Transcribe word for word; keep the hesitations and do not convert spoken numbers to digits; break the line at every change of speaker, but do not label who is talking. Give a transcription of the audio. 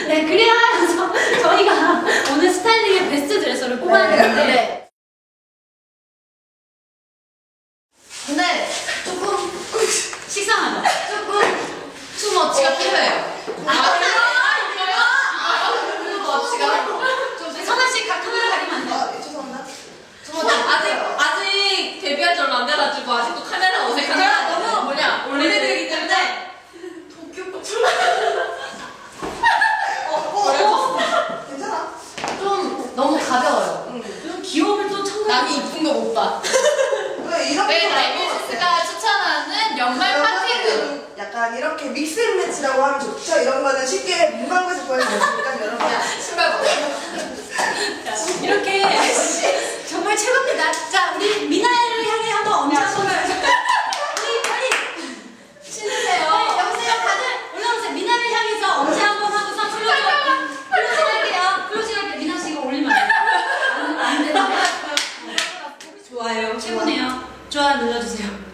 네, 그래야 저, 저희가 오늘 스타일링의 베스트 드레서를 뽑아야 되는데. 네. 근데 조금 식상하죠? 조금 투머치가 필요해요. 아, 선아씨 카메라 가리면 안 돼요?
아, 죄송합니다.
아직 아직 데뷔한 지 얼마 안 돼가지고 아직도 카메라 어색하죠.
너무
뭐냐 원래들이기 때문에
도쿄 어, 괜찮아.
좀 너무 가벼워요.
응.
좀 귀여움을 또 첨가.
남이 이쁜 거 못 봐.
왜 이렇게
네, 데뷔스가 추천하는 연말 파티룩.
약간 이렇게 믹스 매치라고 하면 좋죠. 이런 거는 쉽게 문방구에서 구할 수 있으니까 여러분
신발 벗어.
이렇게 정말 최고입니다. 자, 우리 미나를 향해 한번 엄지 한번 우리 빨리
신으세요.
네, 여보세요. 다들 올라오세요. 미나를 향해서 엄지 한번 하고서 클로징 클로징 할게요. 클로징 할게요. 미나 씨 이거 올리면 안 돼요. 안 되는데.
좋아요.
최고네요. 좋아 눌러주세요.